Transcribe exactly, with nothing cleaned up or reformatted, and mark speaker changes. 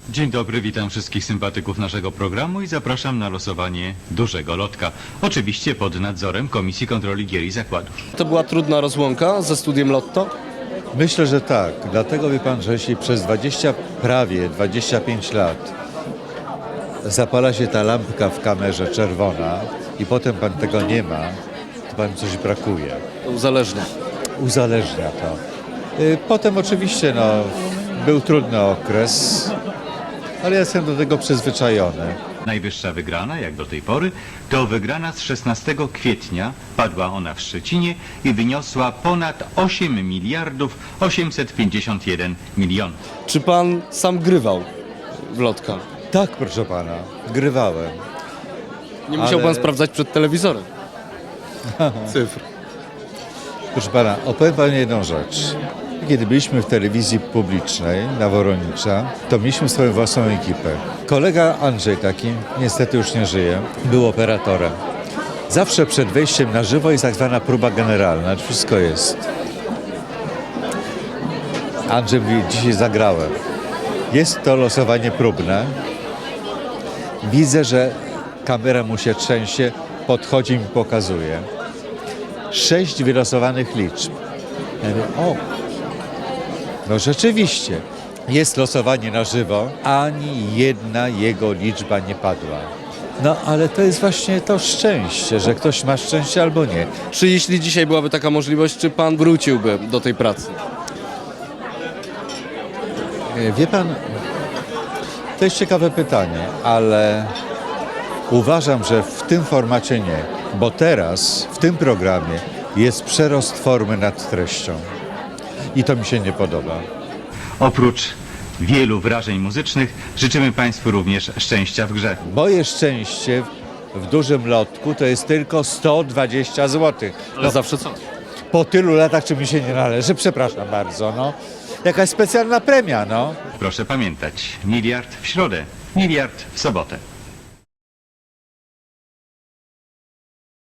Speaker 1: Dzień dobry, witam wszystkich sympatyków naszego programu i zapraszam na losowanie dużego lotka. Oczywiście pod nadzorem Komisji Kontroli Gier i Zakładów.
Speaker 2: To była trudna rozłąka ze studiem Lotto?
Speaker 3: Myślę, że tak. Dlatego wie pan, że jeśli przez dwadzieścia, prawie dwadzieścia pięć lat zapala się ta lampka w kamerze czerwona i potem pan tego nie ma, to pan coś brakuje.
Speaker 2: To uzależnia.
Speaker 3: Uzależnia to. Y, Potem oczywiście no, był trudny okres, ale ja jestem do tego przyzwyczajony.
Speaker 1: Najwyższa wygrana, jak do tej pory, to wygrana z szesnastego kwietnia. Padła ona w Szczecinie i wyniosła ponad osiem miliardów osiemset pięćdziesiąt jeden milionów.
Speaker 2: Czy pan sam grywał w lotka?
Speaker 3: Tak, proszę pana, grywałem.
Speaker 2: Nie musiał
Speaker 3: Ale-
Speaker 2: pan sprawdzać przed telewizorem cyfr.
Speaker 3: Proszę pana, opowiem panu jedną rzecz. Kiedy byliśmy w telewizji publicznej na Woronicza, to mieliśmy swoją własną ekipę. Kolega Andrzej taki, niestety już nie żyje, był operatorem. Zawsze przed wejściem na żywo jest tak zwana próba generalna, wszystko jest. Andrzej mówi, dzisiaj zagrałem. Jest to losowanie próbne. Widzę, że kamera mu się trzęsie, podchodzi i mi pokazuje. Sześć wylosowanych liczb. Ja mówię, o, no rzeczywiście, jest losowanie na żywo, ani jedna jego liczba nie padła. No ale to jest właśnie to szczęście, że ktoś ma szczęście albo nie.
Speaker 2: Czy jeśli dzisiaj byłaby taka możliwość, czy pan wróciłby do tej pracy?
Speaker 3: E, Wie pan, to jest ciekawe pytanie, ale uważam, że w tym formacie nie, bo teraz w tym programie jest przerost formy nad treścią i to mi się nie podoba.
Speaker 1: Oprócz wielu wrażeń muzycznych życzymy Państwu również szczęścia w grze.
Speaker 3: Moje szczęście w dużym lotku to jest tylko sto dwadzieścia złotych.
Speaker 2: Ale zawsze co?
Speaker 3: Po tylu latach, czy mi się nie należy, przepraszam bardzo, no. Jakaś specjalna premia, no.
Speaker 1: Proszę pamiętać, miliard w środę, miliard w sobotę.